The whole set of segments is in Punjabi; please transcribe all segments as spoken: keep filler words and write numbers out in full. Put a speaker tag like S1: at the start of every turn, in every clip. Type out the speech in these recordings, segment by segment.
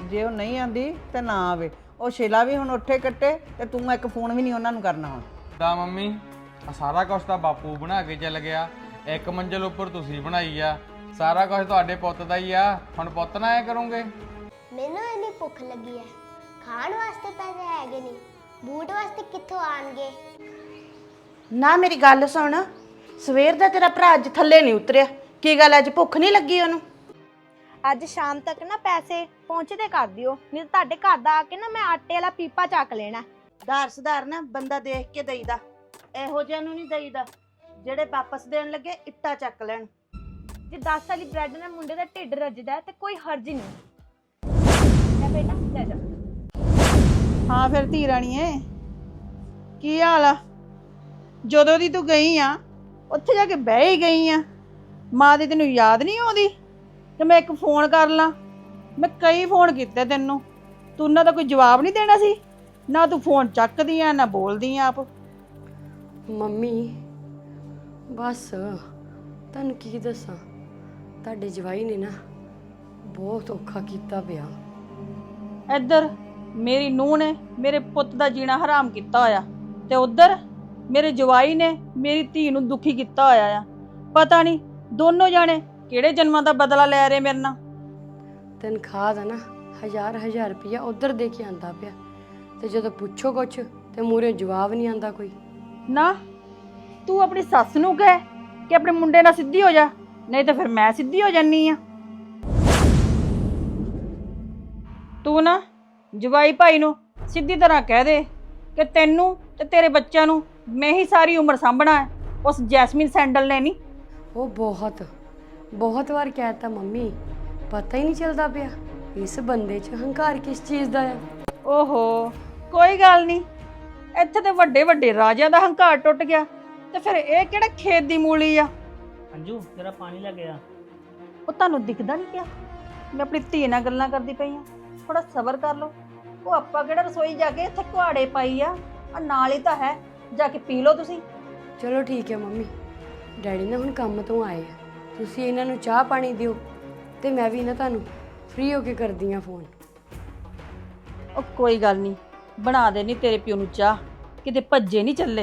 S1: जे वो नहीं आती तो ना आवे। ਉਹ ਸ਼ੀਲਾ ਵੀ ਹੁਣ ਉੱਠੇ ਕੱਟੇ ਤੇ ਤੂੰ ਇੱਕ ਫੋਨ ਵੀ ਨਹੀਂ ਉਹਨਾਂ ਨੂੰ ਕਰਨਾ ਹੁਣ।
S2: ਦਾ ਮੰਮੀ ਆ ਸਾਰਾ ਕੁਝ ਤਾਂ ਬਾਪੂ ਬਣਾ ਕੇ ਚੱਲ ਗਿਆ, ਇੱਕ ਮੰਜ਼ਲ ਉੱਪਰ ਤੁਸੀਂ ਬਣਾਈ ਆ, ਸਾਰਾ ਕੁਝ ਤੁਹਾਡੇ ਪੁੱਤ ਦਾ ਹੀ ਆ। ਹੁਣ ਪੁੱਤ ਨਾ ਐ ਕਰੋਗੇ।
S3: ਮੈਨੂੰ ਇੰਨੀ ਭੁੱਖ ਲੱਗੀ ਹੈ, ਖਾਣ ਵਾਸਤੇ ਪੈਸੇ ਹੈਗੇ ਨਹੀਂ, ਬੂਟ ਵਾਸਤੇ ਕਿੱਥੋਂ ਆਣਗੇ?
S4: ਨਾ ਮੇਰੀ ਗੱਲ ਸੁਣ, ਸਵੇਰ ਦਾ ਤੇਰਾ ਭਰਾ ਅੱਜ ਥੱਲੇ ਨਹੀਂ ਉਤਰਿਆ, ਕੀ ਗੱਲ ਅੱਜ ਭੁੱਖ ਨਹੀਂ ਲੱਗੀ ਉਹਨੂੰ?
S5: ਅੱਜ ਸ਼ਾਮ ਤੱਕ ਨਾ ਪੈਸੇ ਪਹੁੰਚਦੇ ਕਰ ਦਿਓ, ਨਹੀਂ ਤਾਂ ਤੁਹਾਡੇ ਘਰ ਦਾ ਆ ਕੇ ਨਾ ਮੈਂ ਆਟੇ ਵਾਲਾ ਪੀਪਾ ਚੱਕ ਲੈਣਾ।
S4: ਧਾਰ ਸੁਧਾਰ ਨਾ ਬੰਦਾ ਦੇਖ ਕੇ ਦੇਈਦਾ, ਇਹੋ ਜਿਹਾ ਨੂੰ ਨਹੀਂ ਦੇਈਦਾ ਜਿਹੜੇ ਵਾਪਸ ਦੇਣ ਲੱਗੇ ਇੱਟਾਂ ਚੱਕ ਲੈਣ।
S5: ਜੇ ਦਸ ਵਾਲੀ ਬ੍ਰੈਡ ਨਾਲ ਮੁੰਡੇ ਦਾ ਢਿੱਡ ਰੱਜਦਾ ਤੇ ਕੋਈ ਹਰਜ ਨਹੀਂ। ਲੈ ਬੇਟਾ ਲੈ ਜਾ।
S1: ਹਾਂ ਫਿਰ ਧੀ ਰਾਣੀਏ ਕੀ ਹਾਲ ਆ? ਜਦੋਂ ਦੀ ਤੂੰ ਗਈ ਆ ਉੱਥੇ ਜਾ ਕੇ ਬਹਿ ਹੀ ਗਈ ਆ, ਮਾਂ ਦੀ ਤੈਨੂੰ ਯਾਦ ਨਹੀਂ ਆਉਂਦੀ ਤੇ ਮੈਂ ਇੱਕ ਫੋਨ ਕਰ ਲਾਂ? ਮੈਂ ਕਈ ਫੋਨ ਕੀਤੇ ਤੈਨੂੰ, ਤੂੰ ਉਹਨਾਂ ਦਾ ਕੋਈ ਜਵਾਬ ਨਹੀਂ ਦੇਣਾ ਸੀ, ਨਾ ਤੂੰ ਫੋਨ ਚੱਕਦੀ ਆ ਨਾ ਬੋਲਦੀ ਆ ਆਪ।
S6: ਮੰਮੀ ਬਸ ਤੁਹਾਨੂੰ ਕੀ ਦੱਸਾਂ, ਤੁਹਾਡੇ ਜਵਾਈ ਨੇ ਨਾ ਬਹੁਤ ਔਖਾ ਕੀਤਾ ਪਿਆ।
S1: ਇੱਧਰ ਮੇਰੀ ਨੂੰਹ ਨੇ ਮੇਰੇ ਪੁੱਤ ਦਾ ਜੀਣਾ ਹਰਾਮ ਕੀਤਾ ਹੋਇਆ ਤੇ ਉੱਧਰ ਮੇਰੇ ਜਵਾਈ ਨੇ ਮੇਰੀ ਧੀ ਨੂੰ ਦੁਖੀ ਕੀਤਾ ਹੋਇਆ ਆ। ਪਤਾ ਨਹੀਂ ਦੋਨੋਂ ਜਾਣੇ ਕਿਹੜੇ ਜਨਮਾਂ ਦਾ ਬਦਲਾ ਲੈ ਰਹੇ ਮੇਰੇ ਨਾਲ।
S6: ਤਨਖਾਹ ਦਾ ਨਾ ਹਜ਼ਾਰ ਹਜ਼ਾਰ ਰੁਪਇਆ ਉਧਰ ਦੇ ਕੇ ਆਂਦਾ ਪਿਆ, ਤੇ ਜਦੋਂ ਪੁੱਛੋ ਕੁਛ ਤੇ ਮੂਰੇ ਜਵਾਬ ਨਹੀਂ ਆਂਦਾ ਕੋਈ।
S1: ਨਾ ਤੂੰ ਆਪਣੀ ਸੱਸ ਨੂੰ ਕਹਿ ਕਿ ਆਪਣੇ ਮੁੰਡੇ ਨਾਲ ਸਿੱਧੀ ਹੋ ਜਾ, ਨਹੀਂ ਤਾਂ ਫਿਰ ਮੈਂ ਸਿੱਧੀ ਹੋ ਜਾਨੀ ਆ। ਤੂੰ ਨਾ ਜਵਾਈ ਭਾਈ ਨੂੰ ਸਿੱਧੀ ਤਰ੍ਹਾਂ ਕਹਿ ਦੇ ਕਿ ਤੈਨੂੰ ਤੇ ਤੇਰੇ ਬੱਚਿਆਂ ਨੂੰ ਮੈਂ ਹੀ ਸਾਰੀ ਉਮਰ ਸਾਂਭਣਾ ਹੈ, ਉਸ ਜੈਸਮੀਨ ਸੈਂਡਲ ਨੇ ਨਹੀਂ।
S6: ਉਹ ਬਹੁਤ ਬਹੁਤ ਵਾਰ ਕਹਿਤਾ ਮੰਮੀ, ਪਤਾ ਹੀ ਨਹੀਂ ਚੱਲਦਾ ਪਿਆ ਇਸ ਬੰਦੇ 'ਚ ਹੰਕਾਰ ਕਿਸ ਚੀਜ਼ ਦਾ ਆ।
S1: ਓਹੋ ਕੋਈ ਗੱਲ ਨਹੀਂ, ਇੱਥੇ ਤੇ ਵੱਡੇ ਵੱਡੇ ਰਾਜਿਆਂ ਦਾ ਹੰਕਾਰ ਟੁੱਟ ਗਿਆ ਤੇ ਫਿਰ ਇਹ ਕਿਹੜਾ ਖੇਤ ਦੀ ਮੂਲੀ ਆ।
S7: ਅੰਜੂ ਤੇਰਾ ਪਾਣੀ ਲੈ ਗਿਆ।
S1: ਉਹ ਤੁਹਾਨੂੰ ਦਿਖਦਾ ਨਹੀਂ ਪਿਆ ਮੈਂ ਆਪਣੀ ਧੀ ਨਾਲ ਗੱਲਾਂ ਕਰਦੀ ਪਈ ਆ? ਥੋੜਾ ਸਬਰ ਕਰ ਲਓ। ਉਹ ਆਪਾਂ ਕਿਹੜਾ ਰਸੋਈ ਜਾ ਕੇ ਇੱਥੇ ਕੁਹਾੜੇ ਪਾਈ ਆ, ਆ ਨਾਲ ਹੀ ਤਾਂ ਹੈ, ਜਾ ਕੇ ਪੀ ਲਓ ਤੁਸੀਂ।
S6: ਚਲੋ ਠੀਕ ਹੈ ਮੰਮੀ, ਡੈਡੀ ਨਾ ਹੁਣ ਕੰਮ ਤੋਂ ਆਏ ਆ, ਤੁਸੀਂ ਇਹਨਾਂ ਨੂੰ ਚਾਹ ਪਾਣੀ ਦਿਓ ਤੇ ਮੈਂ ਵੀ ਨਾ ਤੁਹਾਨੂੰ ਫ੍ਰੀ ਹੋ ਕੇ ਕਰਦੀ ਆ ਫੋਨ।
S1: ਉਹ ਕੋਈ ਗੱਲ ਨਹੀਂ, ਬਣਾ ਦੇ ਨਹੀਂ ਤੇਰੇ ਪਿਓ ਨੂੰ ਚਾਹ, ਕਿਤੇ ਭੱਜੇ ਨਹੀਂ ਚੱਲੇ।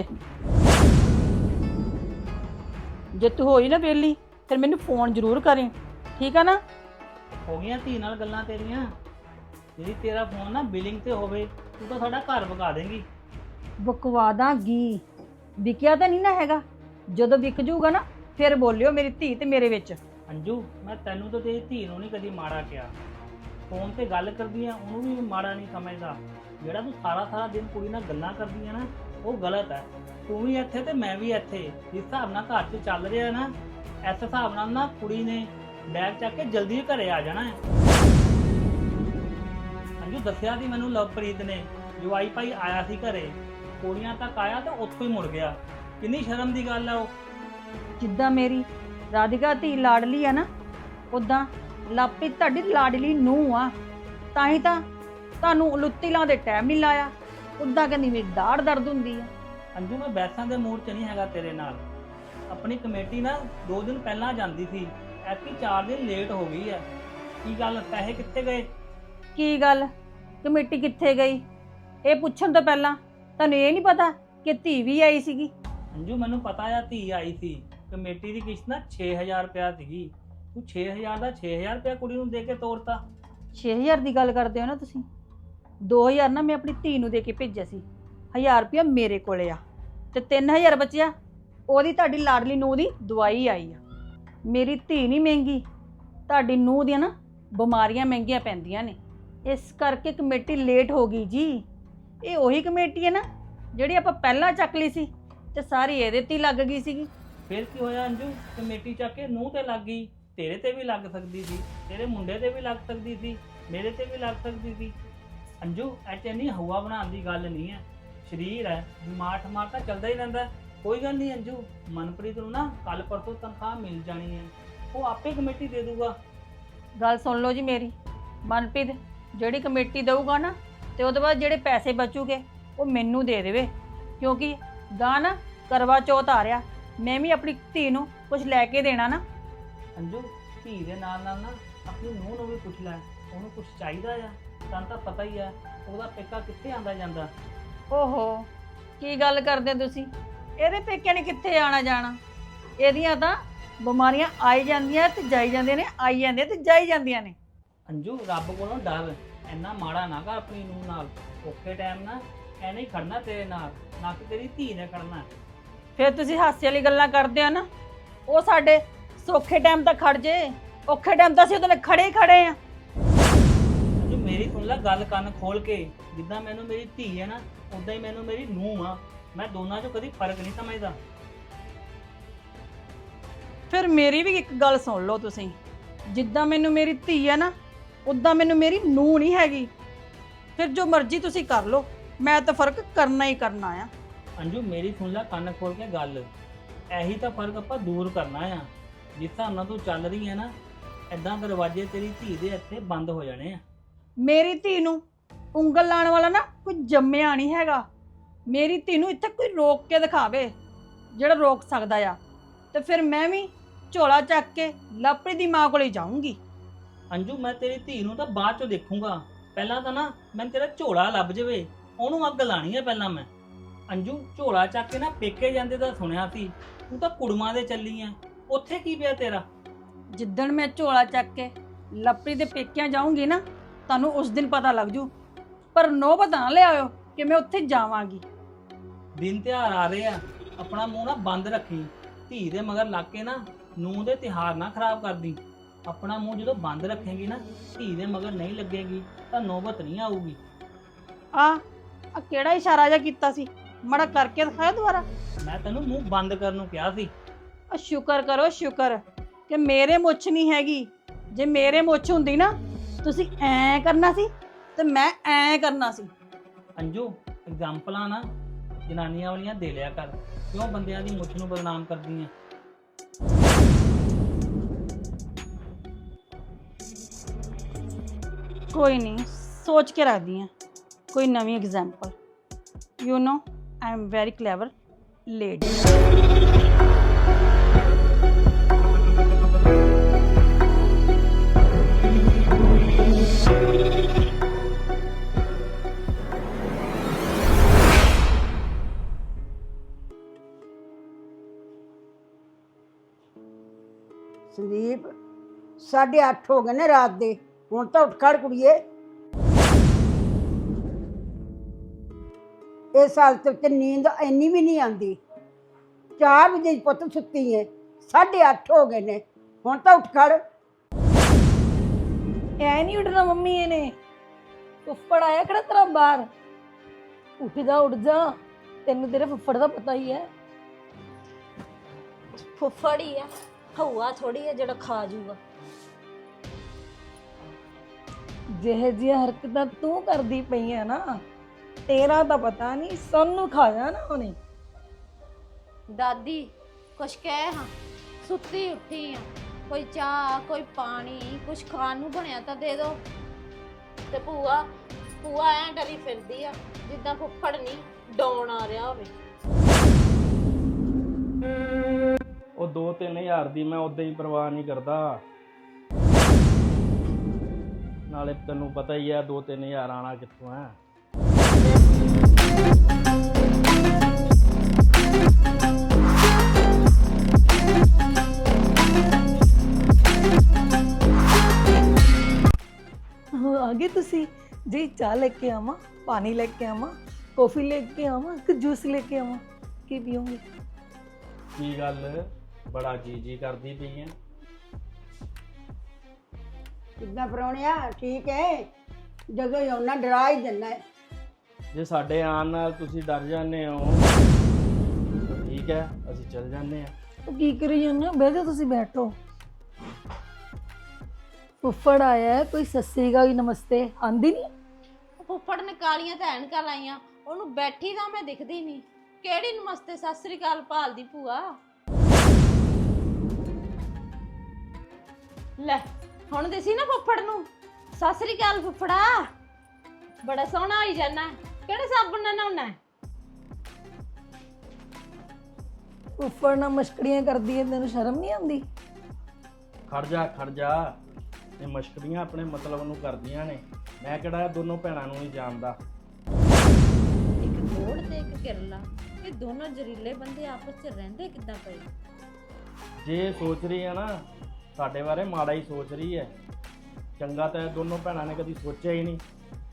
S1: ਜੇ ਤੂੰ ਹੋਈ ਨਾ ਵਿਹਲੀ ਫਿਰ ਮੈਨੂੰ ਫੋਨ ਜ਼ਰੂਰ ਕਰੀਂ, ਠੀਕ ਆ ਨਾ?
S7: ਹੋ ਗਈਆਂ ਧੀ ਨਾਲ ਗੱਲਾਂ ਤੇਰੀਆਂ। ਜਿਹੜੀ ਤੇਰਾ ਫੋਨ ਨਾ ਬਿਲਿੰਗ ਤੇ ਹੋਵੇ ਤੂੰ ਤਾਂ ਸਾਡਾ ਘਰ ਵਗਾ ਦੇਂਗੀ।
S1: ਬਕਵਾ ਦਾਂਗੀ, ਵਿਕਿਆ ਤਾਂ ਨਹੀਂ ਨਾ ਹੈਗਾ। ਜਦੋਂ ਵਿਕ ਜੂਗਾ ਨਾ ਫਿਰ ਬੋਲਿਓ ਮੇਰੀ ਧੀ ਤੇ ਮੇਰੇ ਵਿੱਚ।
S7: ਅੰਜੂ ਮੈਂ ਤੈਨੂੰ ਤਾਂ ਤੇਰੀ ਧੀ ਨੂੰ ਨਹੀਂ ਕਦੀ ਮਾੜਾ ਕਿਹਾ, ਫੋਨ ਤੇ ਗੱਲ ਕਰਦੀ ਆ ਉਹਨੂੰ ਵੀ ਮਾੜਾ ਨਹੀਂ ਸਮਝਦਾ। ਜਿਹੜਾ ਤੂੰ ਸਾਰਾ ਸਾਰਾ ਦਿਨ ਕੁੜੀ ਨਾਲ ਗੱਲਾਂ ਕਰਦੀ ਆ ਨਾ ਉਹ ਗਲਤ ਹੈ। ਤੂੰ ਵੀ ਇੱਥੇ ਤੇ ਮੈਂ ਵੀ ਇੱਥੇ, ਜਿਸ ਹਿਸਾਬ ਨਾਲ ਘਰ 'ਚ ਚੱਲ ਰਿਹਾ ਨਾ ਇਸ ਹਿਸਾਬ ਨਾਲ ਨਾ ਕੁੜੀ ਨੇ ਬੈਗ ਚੱਕ ਕੇ ਜਲਦੀ ਘਰੇ ਆ ਜਾਣਾ ਹੈ। ਅੰਜੂ ਦੱਸਿਆ ਸੀ ਮੈਨੂੰ ਲਵਪ੍ਰੀਤ ਨੇ, ਜਵਾਈ ਭਾਈ ਆਇਆ ਸੀ ਘਰੇ, ਕੁੜੀਆਂ ਤੱਕ ਆਇਆ ਤੇ ਉੱਥੋਂ ਹੀ ਮੁੜ ਗਿਆ। ਕਿੰਨੀ ਸ਼ਰਮ ਦੀ ਗੱਲ ਹੈ ਉਹ।
S1: ਜਿੱਦਾਂ ਮੇਰੀ ਰਾਧਿਕਾ ਧੀ ਲਾਡਲੀ ਆ ਨਾ, ਉਦਾਂ ਲਾਪੀ ਤੁਹਾਡੀ ਲਾਡਲੀ ਨੂੰਹ ਆ। ਤਾਂ ਹੀ ਤਾਂ ਤੁਹਾਨੂੰ ਲੁੱਤੀ ਲਾਉਣ ਦੇ ਟਾਈਮ ਨਹੀਂ ਲਾਇਆ। ਉਦਾਂ ਕਹਿੰਦੀ ਮੇਰੀ ਦਾੜ ਦਰਦ ਹੁੰਦੀ ਆ।
S7: ਅੰਜੂ ਮੈਂ ਬੈਸਾਂ ਦੇ ਮੂਡ 'ਚ ਨਹੀਂ ਹੈਗਾ ਤੇਰੇ ਨਾਲ। ਆਪਣੀ ਕਮੇਟੀ ਨਾ ਦੋ ਦਿਨ ਪਹਿਲਾਂ ਜਾਂਦੀ ਸੀ, ਐਤਕੀ ਚਾਰ ਦਿਨ ਲੇਟ ਹੋ ਗਈ ਹੈ। ਕੀ ਗੱਲ, ਪੈਸੇ ਕਿੱਥੇ ਗਏ?
S1: ਕੀ ਗੱਲ ਕਮੇਟੀ ਕਿੱਥੇ ਗਈ? ਇਹ ਪੁੱਛਣ ਤੋਂ ਪਹਿਲਾਂ ਤੁਹਾਨੂੰ ਇਹ ਨਹੀਂ ਪਤਾ ਕਿ ਧੀ ਵੀ ਆਈ ਸੀਗੀ?
S7: ਅੰਜੂ ਮੈਨੂੰ ਪਤਾ ਆ ਧੀ ਆਈ ਸੀ। ਕਮੇਟੀ ਦੀ ਕਿਸ਼ਤ ਨਾ ਛੇ ਹਜ਼ਾਰ ਰੁਪਇਆ ਸੀਗੀ, ਤੂੰ ਛੇ ਹਜ਼ਾਰ ਦਾ ਛੇ ਹਜ਼ਾਰ ਰੁਪਇਆ ਕੁੜੀ ਨੂੰ ਦੇ ਕੇ ਤੋਰਤਾ।
S1: ਛੇ ਹਜ਼ਾਰ ਦੀ ਗੱਲ ਕਰਦੇ ਹੋ ਨਾ ਤੁਸੀਂ? ਦੋ ਹਜ਼ਾਰ ਨਾ ਮੈਂ ਆਪਣੀ ਧੀ ਨੂੰ ਦੇ ਕੇ ਭੇਜਿਆ ਸੀ, ਹਜ਼ਾਰ ਰੁਪਇਆ ਮੇਰੇ ਕੋਲੇ ਆ ਤੇ ਤਿੰਨ ਹਜ਼ਾਰ ਬਚਿਆ ਉਹਦੀ ਤੁਹਾਡੀ ਲਾਡਲੀ ਨੂੰਹ ਦੀ ਦਵਾਈ ਆਈ ਆ। ਮੇਰੀ ਧੀ ਨਹੀਂ ਮਹਿੰਗੀ, ਤੁਹਾਡੀ ਨੂੰਹ ਦੀਆਂ ਨਾ ਬਿਮਾਰੀਆਂ ਮਹਿੰਗੀਆਂ ਪੈਂਦੀਆਂ ਨੇ, ਇਸ ਕਰਕੇ ਕਮੇਟੀ ਲੇਟ ਹੋ ਗਈ ਜੀ। ਇਹ ਉਹੀ ਕਮੇਟੀ ਹੈ ਨਾ ਜਿਹੜੀ ਆਪਾਂ ਪਹਿਲਾਂ ਚੱਕ ਲਈ ਸੀ ਤੇ ਸਾਰੀ ਇਹਦੇ ਤੇ ਹੀ ਲੱਗ ਗਈ ਸੀਗੀ।
S7: ਫਿਰ ਕੀ ਹੋਇਆ ਅੰਜੂ, ਕਮੇਟੀ ਚੱਕ ਕੇ ਨੂੰਹ ਤੇ ਲੱਗ ਗਈ, ਤੇਰੇ ਤੇ ਵੀ ਲੱਗ ਸਕਦੀ ਸੀ, ਤੇਰੇ ਮੁੰਡੇ ਤੇ ਵੀ ਲੱਗ ਸਕਦੀ ਸੀ, ਮੇਰੇ ਤੇ ਵੀ ਲੱਗ ਸਕਦੀ ਸੀ। ਅੰਜੂ ਐਚ ਇੰਨੀ ਹਵਾ ਬਣਾਉਣ ਦੀ ਗੱਲ ਨਹੀਂ ਹੈ, ਸਰੀਰ ਹੈ, ਬਿਮਾਰ ਠਮਾਰ ਤਾਂ ਚੱਲਦਾ ਹੀ ਰਹਿੰਦਾ। ਕੋਈ ਗੱਲ ਨਹੀਂ ਅੰਜੂ, ਮਨਪ੍ਰੀਤ ਨੂੰ ਨਾ ਕੱਲ ਪਰਸੋਂ ਤਨਖਾਹ ਮਿਲ ਜਾਣੀ ਹੈ, ਉਹ ਆਪੇ ਕਮੇਟੀ ਦੇ ਦੂਗਾ।
S1: ਗੱਲ ਸੁਣ ਲਓ ਜੀ ਮੇਰੀ, ਮਨਪ੍ਰੀਤ ਜਿਹੜੀ ਕਮੇਟੀ ਦੇਊਗਾ ਨਾ ਤੇ ਉਹਦੇ ਬਾਅਦ ਜਿਹੜੇ ਪੈਸੇ ਬਚੂਗੇ ਉਹ ਮੈਨੂੰ ਦੇ ਦੇਵੇ, ਕਿਉਂਕਿ ਗਾਂ ਨਾ ਕਰਵਾ ਚੌਥ ਆ ਰਿਹਾ, ਮੈਂ ਵੀ ਆਪਣੀ ਧੀ ਨੂੰ ਕੁਝ ਲੈ ਕੇ ਦੇਣਾ ਨਾ।
S7: ਅੰਜੂ ਧੀ ਦੇ ਨਾਲ ਨਾਲ ਨਾ ਆਪਣੀ ਨੂੰਹ ਨੂੰ ਵੀ ਪੁੱਛ ਲੈ, ਉਹਨੂੰ ਕੁਝ ਚਾਹੀਦਾ ਆ। ਤੁਹਾਨੂੰ ਤਾਂ ਪਤਾ ਹੀ ਆ ਉਹਦਾ ਪੇਕਾ ਕਿੱਥੇ ਆਂਦਾ ਜਾਂਦਾ।
S1: ਓਹੋ, ਕੀ ਗੱਲ ਕਰਦੇ ਤੁਸੀਂ? ਇਹਦੇ ਪੇਕਿਆਂ ਨੇ ਕਿੱਥੇ ਆਣਾ ਜਾਣਾ? ਇਹਦੀਆਂ ਤਾਂ ਬਿਮਾਰੀਆਂ ਆਈ ਜਾਂਦੀਆਂ ਤੇ ਜਾਈ ਜਾਂਦੀਆਂ ਨੇ, ਆਈ ਜਾਂਦੀਆਂ ਤੇ ਜਾਈ ਜਾਂਦੀਆਂ ਨੇ।
S7: ਅੰਜੂ ਰੱਬ ਕੋਲੋਂ ਡਰ, ਇੰਨਾ ਮਾੜਾ ਨਾ ਕਰ ਆਪਣੀ ਨੂੰਹ ਨਾਲ। ਔਖੇ ਟਾਈਮ ਨਾ ਐਨੇ ਹੀ ਖੜਨਾ ਤੇਰੇ ਨਾਲ, ਨਾ ਕਿ ਤੇਰੀ ਧੀ ਨੇ ਖੜਨਾ।
S1: ਫਿਰ ਤੁਸੀਂ ਹਾਸੇ ਵਾਲੀ ਗੱਲਾਂ ਕਰਦੇ ਹੋ ਨਾ, ਉਹ ਸਾਡੇ ਸੌਖੇ ਟਾਈਮ ਤੱਕ ਖੜ ਜੇ, ਔਖੇ ਟਾਈਮ ਤਾਂ ਅਸੀਂ ਉਹਦੇ ਨਾਲ ਖੜੇ ਹੀ ਖੜੇ ਆ।
S7: ਅੰਜੂ ਮੇਰੀ ਸੁਣ ਲੈ ਗੱਲ, ਕੰਨ ਖੋਲ ਕੇ। ਜਿੱਦਾਂ ਮੈਨੂੰ ਮੇਰੀ ਧੀ ਹੈ ਨਾ, ਉਦਾਂ ਹੀ ਮੈਨੂੰ ਮੇਰੀ ਨੂੰਹ ਆ। ਮੈਂ ਦੋਨਾਂ 'ਚੋਂ ਕਦੀ ਫਰਕ ਨਹੀਂ ਸਮਝਦਾ।
S1: ਫਿਰ ਮੇਰੀ ਵੀ ਇੱਕ ਗੱਲ ਸੁਣ ਲਓ ਤੁਸੀਂ, ਜਿੱਦਾਂ ਮੈਨੂੰ ਮੇਰੀ ਧੀ ਹੈ ਨਾ, ਉਦਾਂ ਮੈਨੂੰ ਮੇਰੀ ਨੂੰਹ ਨਹੀਂ ਹੈਗੀ। ਫਿਰ ਜੋ ਮਰਜ਼ੀ ਤੁਸੀਂ ਕਰ ਲਓ, ਮੈਂ ਤਾਂ ਫਰਕ ਕਰਨਾ ਹੀ ਕਰਨਾ ਆ।
S7: ਅੰਜੂ ਮੇਰੀ ਸੁਣ ਲੈ ਕੰਨ ਖੋਲ ਕੇ ਗੱਲ, ਇਹੀ ਤਾਂ ਫਰਕ ਆਪਾਂ ਦੂਰ ਕਰਨਾ ਆ। ਜਿਸ ਹਿਸਾਬ ਨਾਲ ਤੂੰ ਚੱਲ ਰਹੀ ਹੈ ਨਾ, ਐਦਾਂ ਦਰਵਾਜ਼ੇ ਤੇਰੀ ਧੀ ਦੇ ਇੱਥੇ ਬੰਦ ਹੋ ਜਾਣੇ ਆ।
S1: ਮੇਰੀ ਧੀ ਨੂੰ ਉਂਗਲ ਲਾਉਣ ਵਾਲਾ ਨਾ ਕੋਈ ਜੰਮਿਆ ਨਹੀਂ ਹੈਗਾ। ਮੇਰੀ ਧੀ ਨੂੰ ਇੱਥੇ ਕੋਈ ਰੋਕ ਕੇ ਦਿਖਾਵੇ, ਜਿਹੜਾ ਰੋਕ ਸਕਦਾ ਆ, ਤੇ ਫਿਰ ਮੈਂ ਵੀ ਝੋਲਾ ਚੱਕ ਕੇ ਲਵਪ੍ਰੀਤ ਦੀ ਮਾਂ ਕੋਲੇ ਜਾਊਂਗੀ।
S7: ਅੰਜੂ ਮੈਂ ਤੇਰੀ ਧੀ ਨੂੰ ਤਾਂ ਬਾਅਦ 'ਚੋਂ ਦੇਖੂੰਗਾ, ਪਹਿਲਾਂ ਤਾਂ ਨਾ ਮੈਨੂੰ ਤੇਰਾ ਝੋਲਾ ਲੱਭ ਜਾਵੇ, ਉਹਨੂੰ ਅੱਗ ਲਾਣੀ ਹੈ ਪਹਿਲਾਂ ਮੈਂ। ਅੰਜੂ ਝੋਲਾ ਚੱਕ ਕੇ ਨਾ ਪੇਕੇ ਜਾਂਦੇ ਤਾਂ ਸੁਣਿਆ ਸੀ, ਤੂੰ ਤਾਂ ਕੁੜਮਾਂ ਦੇ ਚੱਲੀ ਆ, ਉੱਥੇ ਕੀ ਪਿਆ ਤੇਰਾ?
S1: ਜਿੱਦਣ ਮੈਂ ਝੋਲਾ ਚੱਕ ਕੇ ਲਵਪ੍ਰੀਤ ਦੇ ਪੇਕਿਆਂ ਜਾਊਂਗੀ ਨਾ, ਤੁਹਾਨੂੰ ਉਸ ਦਿਨ ਪਤਾ ਲੱਗ ਜੂ। ਪਰ ਨੌਬਤ ਨਾ ਲਿਆਇਓ ਕਿ ਮੈਂ ਉੱਥੇ ਜਾਵਾਂਗੀ।
S7: ਦਿਨ ਤਿਉਹਾਰ ਆ ਰਹੇ ਆ, ਆਪਣਾ ਮੂੰਹ ਨਾ ਬੰਦ ਰੱਖੀ। ਧੀ ਦੇ ਮਗਰ ਲੱਗ ਕੇ ਨਾ ਨੂੰਹ ਦੇ ਤਿਉਹਾਰ ਨਾ ਖਰਾਬ ਕਰਦੀ। ਆਪਣਾ ਮੂੰਹ ਜਦੋਂ ਬੰਦ ਰੱਖੇਗੀ ਨਾ, ਧੀ ਦੇ ਮਗਰ ਨਹੀਂ ਲੱਗੇਗੀ, ਤਾਂ ਨੌਬਤ ਨਹੀਂ ਆਊਗੀ।
S1: ਆ ਆ ਕਿਹੜਾ ਇਸ਼ਾਰਾ ਜਿਹਾ ਕੀਤਾ ਸੀ? ਮੜਾ ਕਰਕੇ ਦਿਖਾਇਆ ਦੁਬਾਰਾ।
S7: ਮੈਂ ਤੈਨੂੰ ਮੂੰਹ ਬੰਦ ਕਰਨ ਨੂੰ ਕਿਹਾ ਸੀ।
S1: ਆ ਸ਼ੁਕਰ ਕਰੋ, ਸ਼ੁਕਰ ਕਿ ਮੇਰੇ ਮੁੱਛ ਨਹੀਂ ਹੈਗੀ। ਜੇ ਮੇਰੇ ਮੁੱਛ ਹੁੰਦੀ ਨਾ, ਤੁਸੀਂ ਐਂ ਕਰਨਾ ਸੀ ਤੇ ਮੈਂ ਐਂ ਕਰਨਾ ਸੀ।
S7: ਅੰਜੂ ਐਗਜ਼ਾਮਪਲਾਂ ਨਾ ਜਨਾਨੀਆਂ ਵਾਲੀਆਂ ਦੇ ਲਿਆ ਕਰ, ਕਿਉਂ ਬੰਦਿਆਂ ਦੀ ਮੁੱਛ ਨੂੰ ਬਦਨਾਮ ਕਰਦੀ ਆ?
S1: ਕੋਈ ਨਹੀਂ, ਸੋਚ ਕੇ ਰੱਖਦੀ ਹਾਂ ਕੋਈ ਨਵੀਂ example. You know I am very clever lady.
S8: Sandeep, ਸਾਢੇ ਅੱਠ ਹੋ ਗਏ ਨੇ ਰਾਤ ਦੇ, ਹੁਣ ਤਾਂ ਉੱਠ ਖੜ ਕੁੜੀਏ। ਇਸ ਹਾਲਤ ਵਿੱਚ ਨੀਂਦ ਇੰਨੀ ਵੀ ਨਹੀਂ ਆਉਂਦੀ। ਚਾਰ ਵਜੇ ਦੀ ਪੁੱਤ ਸੁੱਤੀ ਹੈ, ਸਾਢੇ ਅੱਠ ਹੋ ਗਏ ਨੇ, ਹੁਣ ਤਾਂ ਉੱਠ ਖੜ।
S1: ਐ ਨਹੀਂ ਉੱਠਣਾ ਮੰਮੀ, ਇਹਨੇ ਫੁੱਫੜ ਆਇਆ ਕਿਹੜਾ ਤੇਰਾ ਬਾਹਰ। ਉੱਠ ਜਾ ਉੱਠ ਜਾ, ਤੈਨੂੰ ਤੇਰੇ ਫੁੱਫੜ ਦਾ ਪਤਾ ਹੀ ਹੈ।
S9: ਫੁੱਫੜ ਹੀ ਆ, ਹਊਆ ਥੋੜੀ ਹੈ ਜਿਹੜਾ ਖਾ ਜੂਗਾ।
S1: ਜਿਹੇ ਜਿਹੀਆਂ ਹਰਕਤਾਂ ਤੂੰ ਕਰਦੀ ਪਈ ਹੈ ਨਾ, ਤੇਰਾ ਤਾਂ ਪਤਾ ਨਹੀਂ ਸਾਨੂੰ ਖਾ ਜਾਣਾ ਉਹਨੇ।
S9: ਦਾਦੀ ਕੁਛ ਕਹਿ ਹਾਂ, ਸੁੱਤੀ ਉੱਠੀ ਆ, ਕੋਈ ਚਾਹ ਕੋਈ ਪਾਣੀ ਕੁਛ ਖਾਣ ਨੂੰ ਬਣਿਆ ਤਾਂ ਦੇ ਦੋ। ਤੇ ਭੂਆ ਭੂਆ ਐ ਡਰੀ ਫਿਰਦੀ ਆ ਜਿੱਦਾਂ ਫੁੱਫੜ ਨਹੀਂ ਡਾਉਣ ਆ ਰਿਹਾ ਹੋਵੇ।
S7: ਉਹ ਦੋ ਤਿੰਨ ਹਜ਼ਾਰ ਦੀ ਮੈਂ ਉਦਾਂ ਹੀ ਪਰਵਾਹ ਨਹੀਂ ਕਰਦਾ। ਨਾਲੇ ਤੈਨੂੰ ਪਤਾ ਹੀ ਆ ਦੋ ਤਿੰਨ ਹਜ਼ਾਰ ਆਣਾ ਕਿੱਥੋਂ ਆ।
S1: ਆ ਗਏ ਤੁਸੀਂ ਜੀ? ਚਾਹ ਲੈ ਕੇ ਆਵਾਂ, ਪਾਣੀ ਲੈ ਕੇ ਆਵਾਂ, ਕੌਫੀ ਲੈ ਕੇ ਆਵਾਂ ਕਿ ਜੂਸ ਲੈ ਕੇ ਆਵਾਂ? ਕੀ ਪੀਓਗੇ?
S7: ਕੀ ਗੱਲ ਬੜਾ ਜੀ ਜੀ ਕਰਦੀ ਪਈ ਐ?
S8: ਕਿੱਦਾਂ ਪ੍ਰਾਹੁਣਿਆ, ਠੀਕ ਹੈ? ਜਦੋਂ ਹੀ ਆਉਣਾ ਡਰਾ ਹੀ ਦਿੰਦਾ ਹੈ।
S7: ਜੇ ਸਾਡੇ ਆਉਣ ਨਾਲ ਤੁਸੀਂ ਡਰ ਜਾਂਦੇ ਹੋ ਤਾਂ ਠੀਕ ਹੈ, ਅਸੀਂ ਚੱਲ ਜਾਂਦੇ ਆ।
S1: ਉਹ ਕੀ ਕਰੀ ਜਾਂਦੇ ਹੋ? ਬਹਿ ਜਾਓ, ਤੁਸੀਂ ਬੈਠੋ। ਫੁੱਫੜ ਆਇਆ, ਕੋਈ ਸਤਿ ਸ੍ਰੀ ਅਕਾਲ ਨਮਸਤੇ ਆਂਦੀ ਨਹੀਂ?
S9: ਫੁੱਫੜ ਨੇ ਕਾਲੀਆਂ ਤਾਂ ਐਨਕਾਂ ਲਾਈਆਂ, ਉਹਨੂੰ ਬੈਠੀ ਤਾਂ ਮੈਂ ਦਿਖਦੀ ਨਹੀਂ। ਕਿਹੜੀ ਨਮਸਤੇ ਸਤਿ ਸ੍ਰੀ ਅਕਾਲ ਭਾਲਦੀ ਭੂਆ? ਲੈ ਹੁਣ ਦਿਸੀ ਨਾ ਫੁੱਫੜ ਨੂੰ? ਸਤਿ ਸ੍ਰੀ ਅਕਾਲ ਫੁੱਫੜਾ, ਬੜਾ ਸੋਹਣਾ ਹੋਈ ਜਾਣਾ। ਕਿਹੜੇ ਸਾਬਣ ਨਾਲ ਨਹਾਉਣਾ?
S1: ਫੁੱਫੜ ਨਾਲ ਮਸ਼ਕੜੀਆਂ ਕਰਦੀ ਹੈ, ਤੈਨੂੰ ਸ਼ਰਮ ਨਹੀਂ ਆਉਂਦੀ?
S7: ਖੜ ਜਾ ਖੜ ਜਾ, ਇਹ ਮਸ਼ਕਰੀਆਂ ਆਪਣੇ ਮਤਲਬ ਨੂੰ ਕਰਦੀਆਂ ਨੇ।
S10: ਮੈਂ ਕਿਹੜਾ ਇਹ ਦੋਨੋਂ ਭੈਣਾਂ ਨੂੰ ਨਹੀਂ ਜਾਣਦਾ।
S9: ਇੱਕ ਗੋੜ ਤੇ ਇੱਕ ਕਿਰਲਾ, ਇਹ ਦੋਨੋਂ ਜ਼ਰੀਲੇ ਬੰਦੇ ਆਪਸ 'ਚ ਰਹਿੰਦੇ ਕਿੱਦਾਂ ਪਏ?
S10: ਜੇ ਇਹ ਸੋਚ ਰਹੀ ਹੈ ਨਾ ਸਾਡੇ ਬਾਰੇ ਮਾੜਾ ਹੀ ਸੋਚ ਰਹੀ ਹੈ, ਚੰਗਾ ਤਾਂ ਇਹ ਦੋਨੋਂ ਭੈਣਾਂ ਨੇ ਕਦੀ ਸੋਚਿਆ ਹੀ ਨਹੀਂ।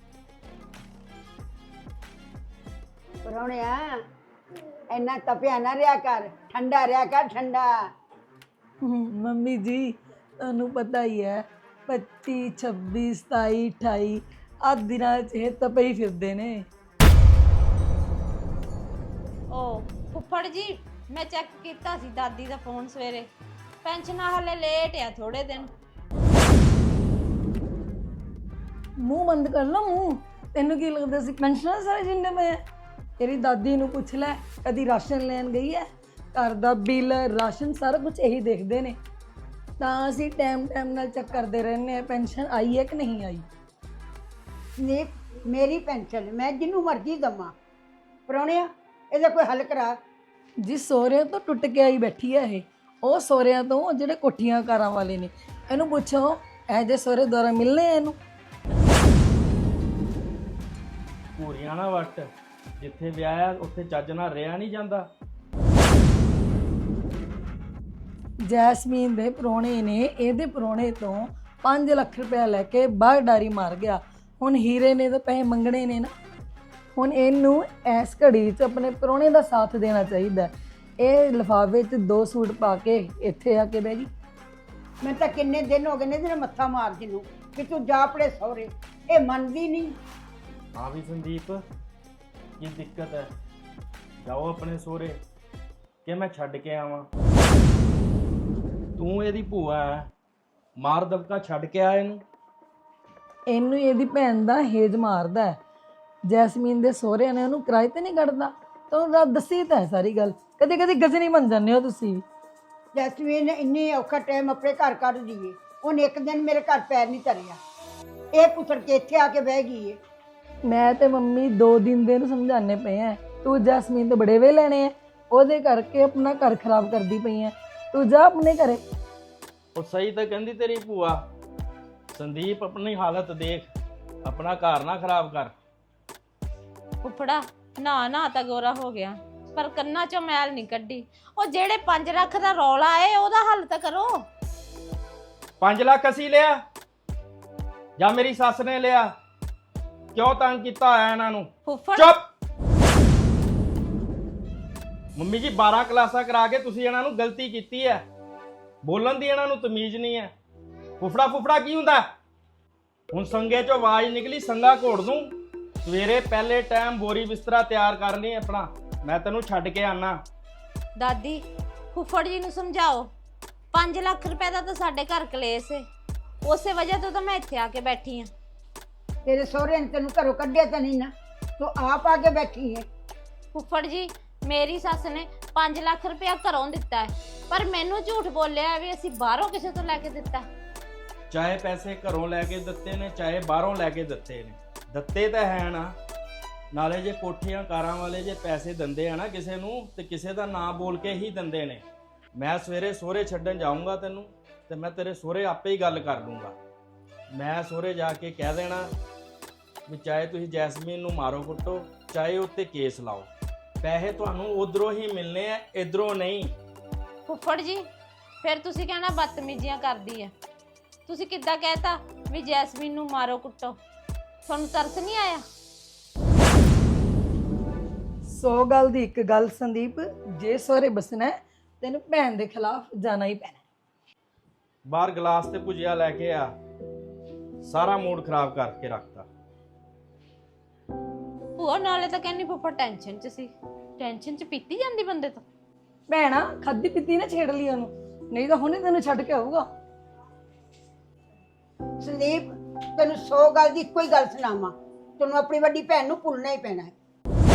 S8: ਪਰੌਣਿਆ ਇੰਨਾ ਤਪਿਆ ਨਾ ਰਿਆ ਕਰ, ਠੰਡਾ ਰਿਆ ਕਰ, ਠੰਡਾ।
S11: ਮੰਮੀ ਜੀ ਤੁਹਾਨੂੰ ਪਤਾ ਹੀ ਹੈ ਪੱਚੀ ਛੱਬੀ ਸਤਾਈ ਅਠਾਈ ਆਹ ਦਿਨਾਂ 'ਚ ਇਹ ਤਪੇ ਹੀ ਫਿਰਦੇ ਨੇ।
S9: ਓ ਫੁੱਫੜ ਜੀ, ਮੈਂ ਚੈੱਕ ਕੀਤਾ ਸੀ ਦਾਦੀ ਦਾ ਫੋਨ ਸਵੇਰੇ, ਪੈਨਸ਼ਨ ਹਲੇ ਲੇਟ ਆ ਥੋੜੇ ਦਿਨ।
S11: ਮੂੰਹ ਬੰਦ ਕਰ ਲਓ ਮੂੰਹ। ਤੈਨੂੰ ਕੀ ਲੱਗਦਾ ਸੀ ਪੈਨਸ਼ਨਰ ਸਾਰੇ ਜਿੰਨੇ ਪਏ ਆ? ਤੇਰੀ ਦਾਦੀ ਨੂੰ ਪੁੱਛ ਲੈ, ਕਦੀ ਰਾਸ਼ਨ ਲੈਣ ਗਈ ਹੈ? ਘਰ ਦਾ ਬਿੱਲ ਰਾਸ਼ਨ ਸਾਰਾ ਕੁਝ ਇਹੀ ਦੇਖਦੇ ਨੇ। ਤਾਂ ਅਸੀਂ ਟਾਈਮ ਟਾਈਮ ਨਾਲ ਚੈੱਕ ਕਰਦੇ ਰਹਿੰਦੇ ਆ ਪੈਨਸ਼ਨ ਆਈ ਹੈ ਕਿ ਨਹੀਂ ਆਈ।
S8: ਨੇ ਮੇਰੀ ਪੈਨਸ਼ਨ ਮੈਂ ਜਿਹਨੂੰ ਮਰਜ਼ੀ ਦਵਾਂ। ਪਰੌਣਿਆ ਇਹਦਾ ਕੋਈ ਹੱਲ ਕਰਾ।
S11: ਜੀ ਸਹੁਰਿਆਂ ਤੋਂ ਟੁੱਟ ਕੇ ਆਈ ਬੈਠੀ ਹੈ ਇਹ, ਉਹ ਸਹੁਰਿਆਂ ਤੋਂ ਜਿਹੜੇ ਕੋਠੀਆਂ ਕਾਰਾਂ ਵਾਲੇ ਨੇ। ਇਹਨੂੰ ਪੁੱਛੋ ਇਹ ਜੇ ਸਹੁਰੇ ਦੁਆਰਾ ਮਿਲਨੇ ਆ ਇਹਨੂੰ।
S10: ਭੂਰੀਆਂ ਨਾ ਵੱਟ, ਜਿੱਥੇ ਵਿਆਹਿਆ ਉੱਥੇ ਚੱਜ ਨਾਲ ਰਿਹਾ ਨਹੀਂ ਜਾਂਦਾ।
S11: ਜੈਸਮੀਨ ਦੇ ਪ੍ਰਾਹੁਣੇ ਨੇ ਇਹਦੇ ਪ੍ਰਾਹੁਣੇ ਤੋਂ ਪੰਜ ਲੱਖ ਰੁਪਇਆ ਲੈ ਕੇ ਬਾਹਰ ਡਾਰੀ ਮਾਰ ਗਿਆ। ਹੁਣ ਹੀਰੇ ਨੇ ਤਾਂ ਪੈਸੇ ਮੰਗਣੇ ਨੇ ਨਾ। ਹੁਣ ਇਹਨੂੰ ਇਸ ਘੜੀ 'ਚ ਆਪਣੇ ਪ੍ਰਾਹੁਣੇ ਦਾ ਸਾਥ ਦੇਣਾ ਚਾਹੀਦਾ। ਇਹ ਲਿਫਾਫੇ 'ਚ ਦੋ ਸੂਟ ਪਾ ਕੇ ਇੱਥੇ ਆ ਕੇ ਬਹਿ ਗਈ।
S8: ਮੈਂ ਤਾਂ ਕਿੰਨੇ ਦਿਨ ਹੋ ਗਏ ਨੇ ਤੇਰੇ ਮੱਥਾ ਮਾਰਦੀ ਨੂੰ ਕਿ ਤੂੰ ਜਾ ਆਪਣੇ ਸਹੁਰੇ, ਇਹ ਮੰਨਦੀ ਨਹੀਂ।
S10: ਹਾਂ ਵੀ ਸੰਦੀਪ, ਕੀ ਦਿੱਕਤ ਹੈ? ਜਾਓ ਆਪਣੇ ਸਹੁਰੇ ਕਿ ਮੈਂ ਛੱਡ ਕੇ ਆਵਾਂ? ਤੂੰ ਇਹਦੀ ਭੂਆ ਹੈ, ਮਾਰ ਦਬਕਾ ਛੱਡ ਕੇ ਆ ਇਹਨੂੰ।
S11: ਇਹਨੂੰ ਇਹਦੀ ਭੈਣ ਦਾ ਹੇਜ ਮਾਰਦਾ ਹੈ। ਜੈਸਮੀਨ ਦੇ ਸਹੁਰਿਆਂ ਨੇ ਉਹਨੂੰ ਕਿਰਾਏ ਤੇ ਨਹੀਂ ਕੱਢਦਾ। ਤੁਹਾਨੂੰ ਰਾਤ ਦੱਸੀ ਤਾਂ ਹੈ ਸਾਰੀ ਗੱਲ। ਕਦੇ ਕਦੇ ਗਜਨੀ ਬਣ ਜਾਂਦੇ ਹੋ ਤੁਸੀਂ।
S8: ਜੈਸਮੀਨ ਨੇ ਇੰਨੀ ਔਖਾ ਟਾਈਮ ਆਪਣੇ ਘਰ ਕੱਢ ਦੀਏ, ਉਹਨੇ ਇੱਕ ਦਿਨ ਮੇਰੇ ਘਰ ਪੈਰ ਨਹੀਂ ਧਰਿਆ। ਇਹ ਪੁੱਛੜ ਕੇ ਇੱਥੇ ਆ ਕੇ ਬਹਿ ਗਈ ਏ।
S11: ਮੈਂ ਤੇ ਮੰਮੀ ਦੋ ਦਿਨ ਦੇ ਨੂੰ ਸਮਝਾਣੇ ਪਏ ਆ, ਤੂੰ ਜੈਸਮੀਨ ਤੋਂ ਬੜੇ ਵੇ ਲੈਣੇ ਆ, ਉਹਦੇ ਕਰਕੇ ਆਪਣਾ ਘਰ ਖਰਾਬ ਕਰਦੀ ਪਈ ਆ। ਤੂੰ ਜਾ ਆਪਣੇ ਘਰੇ।
S10: ਉਹ ਸਹੀ ਤਾਂ ਕਹਿੰਦੀ ਤੇਰੀ ਭੂਆ। ਸੰਦੀਪ ਆਪਣੀ ਹਾਲਤ ਦੇਖ, ਆਪਣਾ ਘਰ ਨਾ ਖਰਾਬ ਕਰ।
S9: ਫੁੱਫੜਾ ਨਾ ਨਾ ਤਾਂ ਗੋਰਾ ਹੋ ਗਿਆ, ਪਰ ਕੰਨਾਂ 'ਚੋਂ ਮੈਲ ਨਹੀਂ ਕੱਢੀ। ਉਹ ਜਿਹੜੇ ਪੰਜ ਲੱਖ ਦਾ ਰੌਲਾ ਏ ਉਹਦਾ ਹੱਲ ਤਾਂ ਕਰੋ।
S10: ਪੰਜ ਲੱਖ ਅਸੀਂ ਲਿਆ ਜਾਂ ਮੇਰੀ ਸੱਸ ਨੇ ਲਿਆ? ਕਿਉਂ ਤੰਗ ਕੀਤਾ ਹੋਇਆ ਇਹਨਾਂ ਨੂੰ?
S9: ਫੁੱਫੜ
S10: ਚੁੱਪ। ਮੰਮੀ ਜੀ ਬਾਰਾਂ ਕਲਾਸਾਂ ਕਰਾ ਕੇ ਤੁਸੀਂ ਇਹਨਾਂ ਨੂੰ ਗਲਤੀ ਕੀਤੀ ਹੈ। ਬੋਲਣ ਦੀ ਇਹਨਾਂ ਨੂੰ ਤਮੀਜ਼ ਨਹੀਂ ਹੈ। ਫੁੱਫੜਾ ਫੁੱਫੜਾ ਕੀ ਹੁੰਦਾ? ਹੁਣ ਸੰਗੇ ਚੋਂ ਆਵਾਜ਼ ਨਿਕਲੀ, ਸੰਗਾ ਘੋੜ ਦੂੰ। ਸਵੇਰੇ ਪਹਿਲੇ ਟਾਈਮ ਬੋਰੀ ਬਿਸਤਰਾ ਤਿਆਰ ਕਰ ਲਈ ਆਪਣਾ, ਮੈਂ ਤੈਨੂੰ ਛੱਡ ਕੇ ਆਣਾ।
S9: ਦਾਦੀ ਫੁੱਫੜ ਜੀ ਨੂੰ ਸਮਝਾਓ, ਪੰਜ ਲੱਖ ਰੁਪਏ ਦਾ ਤਾਂ ਸਾਡੇ ਘਰ ਕਲੇਸ਼ ਏ, ਉਸੇ ਵਜ੍ਹਾ ਤੋਂ ਤਾਂ ਮੈਂ ਇੱਥੇ ਆ ਕੇ ਬੈਠੀ ਆ।
S8: ਤੇਰੇ ਸਹੁਰੇ ਨੇ ਤੈਨੂੰ ਘਰੋਂ ਕੱਢਿਆ ਤਾਂ ਨਹੀਂ ਨਾ, ਤੂੰ ਆਪ ਆ ਕੇ ਬੈਠੀ ਹੈ।
S9: ਫੁੱਫੜ ਜੀ ਮੇਰੀ ਸੱਸ ਨੇ ਪੰਜ ਲੱਖ ਰੁਪਇਆ ਘਰੋਂ ਦਿੱਤਾ ਹੈ, ਪਰ ਮੈਨੂੰ ਝੂਠ ਬੋਲਿਆ ਵੀ ਅਸੀਂ ਬਾਹਰੋਂ ਕਿਸੇ ਤੋਂ ਲੈ ਕੇ ਦਿੱਤਾ।
S10: ਚਾਹੇ ਪੈਸੇ ਘਰੋਂ ਲੈ ਕੇ ਦਿੱਤੇ ਨੇ, ਚਾਹੇ ਬਾਹਰੋਂ ਲੈ ਕੇ ਦਿੱਤੇ ਨੇ, ਦਿੱਤੇ ਤਾਂ ਹੈ ਨਾ। ਨਾਲੇ ਜੇ ਕੋਠੀਆਂ ਕਾਰਾਂ ਵਾਲੇ ਜੇ ਪੈਸੇ ਦਿੰਦੇ ਆ ਨਾ ਕਿਸੇ ਨੂੰ, ਤੇ ਕਿਸੇ ਦਾ ਨਾਂ ਬੋਲ ਕੇ ਹੀ ਦਿੰਦੇ ਨੇ। ਮੈਂ ਸਵੇਰੇ ਸਹੁਰੇ ਛੱਡਣ ਜਾਊਂਗਾ ਤੈਨੂੰ, ਤੇ ਮੈਂ ਤੇਰੇ ਸਹੁਰੇ ਆਪੇ ਹੀ ਗੱਲ ਕਰ ਲੂੰਗਾ। ਮੈਂ ਸਹੁਰੇ ਜਾ ਕੇ ਕਹਿ ਦੇਣਾ ਵੀ ਚਾਹੇ ਤੁਸੀਂ ਜੈਸਮੀਨ ਨੂੰ ਮਾਰੋ ਕੁੱਟੋ, ਚਾਹੇ ਉੱਤੇ ਕੇਸ ਲਾਓ, ਪੈਸੇ ਤੁਹਾਨੂੰ ਉਧਰੋਂ ਹੀ ਮਿਲਨੇ ਆ, ਇਧਰੋਂ ਨਹੀਂ।
S9: ਫੁੱਫੜ ਜੀ ਫਿਰ ਤੁਸੀਂ ਕਹਿਣਾ ਬਦਤਮੀਜ਼ੀਆਂ ਕਰਦੀ ਹੈ। ਤੁਸੀਂ ਕਿੱਦਾਂ ਕਹਿਤਾ ਵੀ ਜੈਸਮੀਨ ਨੂੰ ਮਾਰੋ ਕੁੱਟੋ? ਤੁਹਾਨੂੰ ਤਰਸ ਨਹੀਂ ਆਇਆ?
S11: ਸੌ ਗੱਲ ਦੀ ਇੱਕ ਗੱਲ ਸੰਦੀਪ, ਜੇ ਸਹੁਰੇ ਬਸਣਾ ਹੈ ਤੈਨੂੰ ਭੈਣ ਦੇ ਖਿਲਾਫ ਜਾਣਾ ਹੀ ਪੈਣਾ।
S10: ਬਾਹਰ ਗਲਾਸ ਤੇ ਭੁਜੀਆ ਲੈ ਕੇ ਆ, ਸਾਰਾ ਮੂਡ ਖਰਾਬ ਕਰਕੇ ਰੱਖਤਾ।
S9: ਉਹ ਨਾਲੇ ਤਾਂ ਕਹਿੰਦੀ ਫੁੱਫੜ ਟੈਨਸ਼ਨ 'ਚ ਸੀ। ਟੈਨਸ਼ਨ 'ਚ ਪੀਤੀ ਜਾਂਦੀ ਬੰਦੇ ਤੋਂ।
S11: ਭੈਣਾ ਖਾਦੀ ਪੀਤੀ ਨਾ ਛੇੜ ਲਈ ਉਹਨੂੰ, ਨਹੀਂ ਤਾਂ ਹੁਣੇ ਤੈਨੂੰ ਛੱਡ ਕੇ ਆਊਗਾ।
S8: ਸੰਦੀਪ ਤੈਨੂੰ ਸੌ ਗੱਲ ਦੀ ਇੱਕੋ ਹੀ ਗੱਲ ਸੁਣਾਵਾਂ, ਤੈਨੂੰ ਆਪਣੀ ਵੱਡੀ ਭੈਣ ਨੂੰ ਭੁੱਲਣਾ ਹੀ ਪੈਣਾ ਹੈ।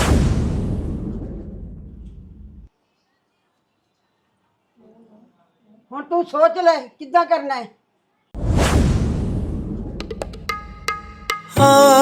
S8: ਹੁਣ ਤੂੰ ਸੋਚ ਲੈ ਕਿੱਦਾਂ ਕਰਨਾ ਹੈ।